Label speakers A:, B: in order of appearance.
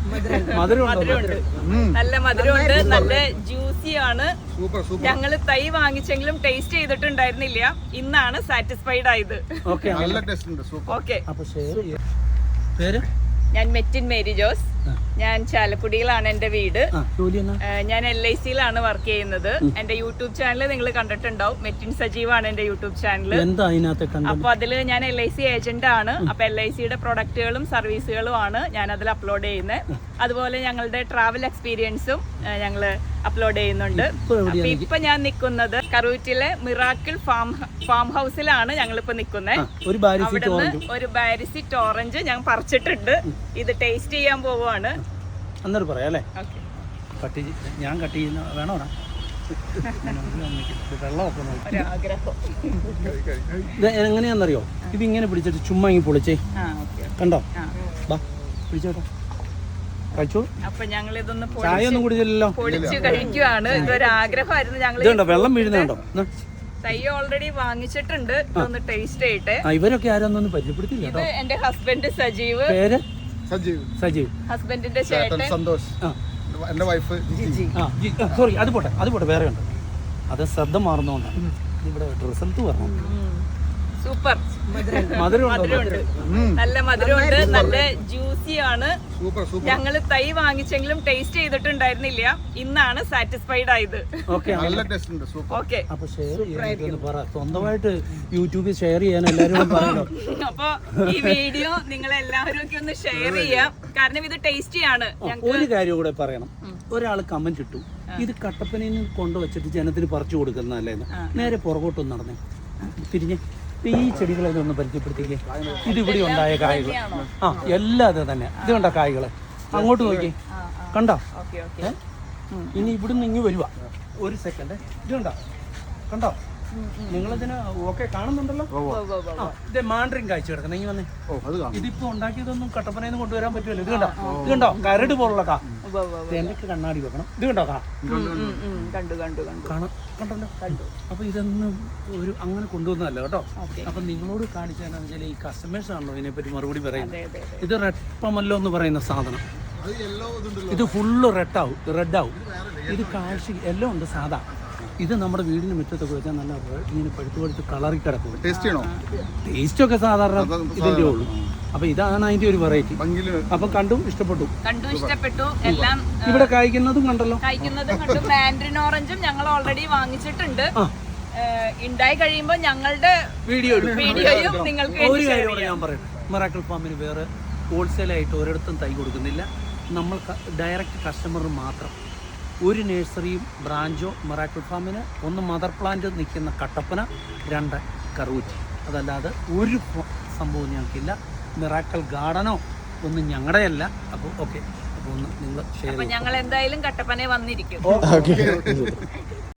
A: മധുരമുണ്ട്, നല്ല മധുരമുണ്ട്, നല്ല ജ്യൂസി ആണ്. ഞങ്ങള് തൈ വാങ്ങിച്ചെങ്കിലും ടേസ്റ്റ് ചെയ്തിട്ടുണ്ടായിരുന്നില്ല, ഇന്നാണ് സാറ്റിസ്ഫൈഡ് ആയത്. ഓക്കെ, ഞാൻ മെറ്റിൻ മേരി ജോസ്, ഞാൻ ചാലക്കുടിയിലാണ് എന്റെ വീട്. ഞാൻ LICയിലാണ് വർക്ക് ചെയ്യുന്നത്. എന്റെ യൂട്യൂബ് ചാനൽ നിങ്ങൾ കണ്ടിട്ടുണ്ടാവും, മെറ്റിൻ സജീവാണ് എന്റെ യൂട്യൂബ് ചാനൽ. അപ്പൊ അതില് ഞാൻ LIC ഏജന്റ് ആണ്. അപ്പൊ LICയുടെ പ്രൊഡക്റ്റുകളും സർവീസുകളും ആണ് ഞാൻ അതിൽ അപ്ലോഡ് ചെയ്യുന്നത്. അതുപോലെ ഞങ്ങളുടെ ട്രാവൽ എക്സ്പീരിയൻസും ഞങ്ങള് അപ്ലോഡ് ചെയ്യുന്നുണ്ട്. അപ്പൊ ഇപ്പൊ ഞാൻ നിൽക്കുന്നത് കറൂറ്റിലെ മിറാക്കിൾ ഫാം ഹൗസിലാണ് ഞങ്ങളിപ്പോ നിൽക്കുന്നത്. അവിടുന്ന് ഒരു ബാരിസിറ്റ് ഓറഞ്ച് ഞാൻ പറിച്ചിട്ടുണ്ട്. ഇത് ടേസ്റ്റ് ചെയ്യാൻ പോവുകയാണ്.
B: അന്നേരം പറയാം അല്ലേ? ഞാൻ കട്ട് ചെയ്യുന്ന വേണോ? ഇത് എങ്ങനെയാണെന്നറിയോ? ഇതിങ്ങനെ പിടിച്ചിട്ട് ചുമ്മാ ഇങ്ങനെ പൊളിച്ചേ, കണ്ടോ? പിടിച്ചോട്ടോ, കഴിച്ചോ.
A: അപ്പൊ ഞങ്ങൾ ഇതൊന്ന്
B: ചായ ഒന്നും കുടിച്ചില്ലല്ലോ,
A: പൊളിച്ച് കഴിക്കുവാണ്. ഇതൊരു ആഗ്രഹമായിരുന്നു. ഞങ്ങൾ
B: വെള്ളം വീഴുന്നുണ്ടോ?
A: തൈ ഓൾറെഡി വാങ്ങിച്ചിട്ടുണ്ട്, ഇതൊന്ന് ടേസ്റ്റ് ചെയ്യട്ടെ.
B: ഇവരൊക്കെ ആരോന്നൊന്നും പരിചയപ്പെടുത്തില്ല.
A: ഇത് എന്റെ ഹസ്ബൻഡ് സജീവ്.
B: പേര്
C: സജീവ്.
A: ഹസ്ബൻഡിന്റെ ചേട്ടൻ
C: സന്തോഷ്. എന്റെ വൈഫ്
B: സോറി, അത് പോട്ടെ, വേറെ ഉണ്ട്. അത് ശ്രദ്ധ മാറുന്നോണ്ടാണ്. ഇവിടെ റിസൾട്ട് പറഞ്ഞു.
A: സൂപ്പർ,
B: മധുരമുണ്ട്,
A: നല്ല മധുരമുണ്ട്, നല്ല ജ്യൂസി ആണ്. ഞങ്ങള് തൈ വാങ്ങിച്ചെങ്കിലും ടേസ്റ്റ് ചെയ്തിട്ടുണ്ടായിരുന്നില്ല, ഇന്നാണ് സാറ്റിസ്ഫൈഡ് ആയത്.
B: സ്വന്തമായിട്ട് യൂട്യൂബിൽ ഷെയർ ചെയ്യാൻ എല്ലാവരും പറയണം.
A: അപ്പൊ ഈ വീഡിയോ നിങ്ങൾ എല്ലാവരും ഒക്കെ ഒന്ന് ഷെയർ ചെയ്യാം, കാരണം ഇത് ടേസ്റ്റിയാണ്.
B: ഒരു കാര്യം കൂടെ പറയണം. ഒരാൾ കമന്റ് ഇട്ടു, ഇത് കട്ടപ്പനയിൽ കൊണ്ടുവച്ചിട്ട് ജനത്തിന് പറിച്ചു കൊടുക്കുന്നതല്ലേന്ന്. നേരെ പുറകോട്ടൊന്ന് നടന്നേ, തിരിഞ്ഞേ. ഈ ചെടികളൊക്കെ ഒന്ന് പരിചയപ്പെടുത്തിക്കേ. ഇതിവിടെ ഉണ്ടായ കായ്കൾ എല്ലാം അത് തന്നെ. ഇത് കണ്ട കായ്കള് അങ്ങോട്ട് നോക്കി, കണ്ടോ? ഇനി ഇവിടുന്ന് ഇങ്ങ് വരുക. ഒരു സെക്കൻഡ്, ഇത് കണ്ടോ? നിങ്ങളിതിന് ഓക്കെ കാണുന്നുണ്ടല്ലോ. ഇത് മാൻഡ്രിൻ കാഴ്ച കിടക്കുന്നത്. ഇങ്ങനെ വന്നേ. ഇതിപ്പോ ഉണ്ടാക്കിയതൊന്നും കട്ടപ്പനയിൽ നിന്ന് കൊണ്ടുവരാൻ പറ്റുമല്ലോ. ഇത് കണ്ടോ കരട് പോലുള്ള കാ. എന്തൊക്കെ കണ്ണാടി വെക്കണം. ഇത് കണ്ടോ കാ? കണ്ടല്ലോ. അപ്പൊ ഇതൊന്നും ഒരു അങ്ങനെ കൊണ്ടുവന്നതല്ല കേട്ടോ. അപ്പൊ നിങ്ങളോട് കാണിച്ചാൽ ഈ കസ്റ്റമേഴ്സ് ആണല്ലോ ഇതിനെപ്പറ്റി മറുപടി പറയുന്നത്. ഇത് റെഡ് പമല്ലോ എന്ന് പറയുന്ന സാധനം. ഇത് ഫുള്ള് റെഡ് ആവും. ഇത് കാഴ്ച എല്ലാം ഉണ്ട് സാധാ. ഇത് നമ്മുടെ വീടിന് മുറ്റത്തൊക്കെ വെച്ചാൽ നല്ല ഇങ്ങനെ പഴുത്ത് കളറി കിടക്കും. ടേസ്റ്റ് ഒക്കെ സാധാരണ ഇതിന്റെ ഉള്ളൂ. അപ്പൊ ഇതാണ് അതിന്റെ ഒരു വെറൈറ്റി. അപ്പൊ കണ്ടു ഇഷ്ടപ്പെട്ടു.
A: എല്ലാം
B: ഇവിടെ കായ്ക്കുന്നതും കണ്ടല്ലോ.
A: കണ്ടു. മാൻഡ്രിൻ ഓറഞ്ചും ഞങ്ങൾ ഓൾറെഡി വാങ്ങിച്ചിട്ടുണ്ട്. ഉണ്ടായി കഴിയുമ്പോൾ ഞങ്ങളുടെ വീഡിയോയും നിങ്ങൾക്ക്
B: ഒരു കാര്യം ഞാൻ പറയട്ടെ. മിറാക്കിൾ ഫാമിന് വേറെ ഹോൾസെയിലായിട്ട് ഒരിടത്തും തൈ കൊടുക്കുന്നില്ല. നമ്മൾ ഡയറക്റ്റ് കസ്റ്റമറിന് മാത്രം. ഒരു നഴ്സറിയും ബ്രാഞ്ചോ മിറാക്കിൾ ഫാമിന്, ഒന്ന് മദർ പ്ലാന്റ് നിൽക്കുന്ന കട്ടപ്പന, 2 കറൂറ്റി. അതല്ലാതെ ഒരു സംഭവം ഞങ്ങൾക്കില്ല. മിറാക്കിൾ ഗാർഡനോ ഒന്നും ഞങ്ങളുടെയല്ല. അപ്പോൾ ഓക്കെ, അപ്പോൾ ഒന്ന് നിങ്ങൾ ഷെയർ.
A: ഞങ്ങൾ എന്തായാലും കട്ടപ്പന വന്നിരിക്കും.